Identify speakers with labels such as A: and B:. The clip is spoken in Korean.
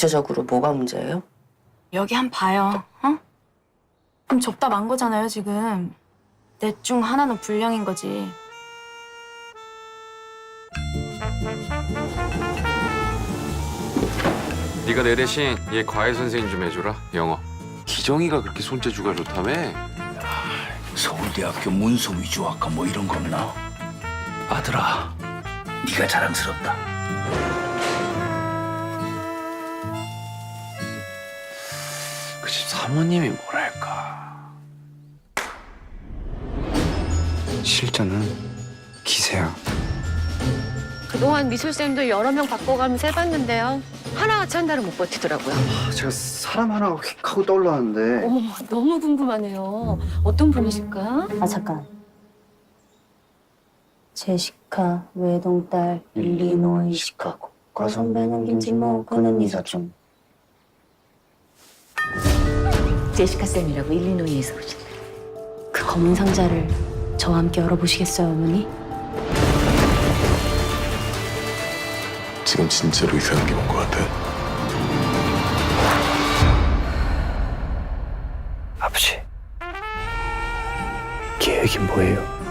A: 구체적으로 뭐가 문제예요?
B: 여기 한 봐요, 어? 그럼 접다 만 거잖아요, 지금. 넷 중 하나는 불량인 거지.
C: 네가 내 대신 얘 과외 선생님 좀 해줘라, 영어.
D: 기정이가 그렇게 손재주가 좋다며?
E: 서울대학교 문서 위조학과 뭐 이런 거 없나? 아들아, 네가 자랑스럽다.
D: 그 집 사모님이 뭐랄까.
F: 실전은 기세야.
G: 그동안 미술쌤도 여러 명 바꿔가면서 해봤는데요. 하나같이 한 달은 못 버티더라고요.
F: 제가 사람 하나가 휙 하고 떠올랐는데.
G: 어머, 너무 궁금하네요. 어떤 분이실까?
H: 아 잠깐. 제시카 외동딸 일리노이 시카고 과선배는 김진모 그는 이사촌. 제시카 쌤이라고 일리노이에서 오신. 그 검은 상자를 저와 함께 열어보시겠어요, 어머니?
I: 지금 진짜로 이상한 게 뭔 것 같아?
E: 아버지, 계획이 뭐예요?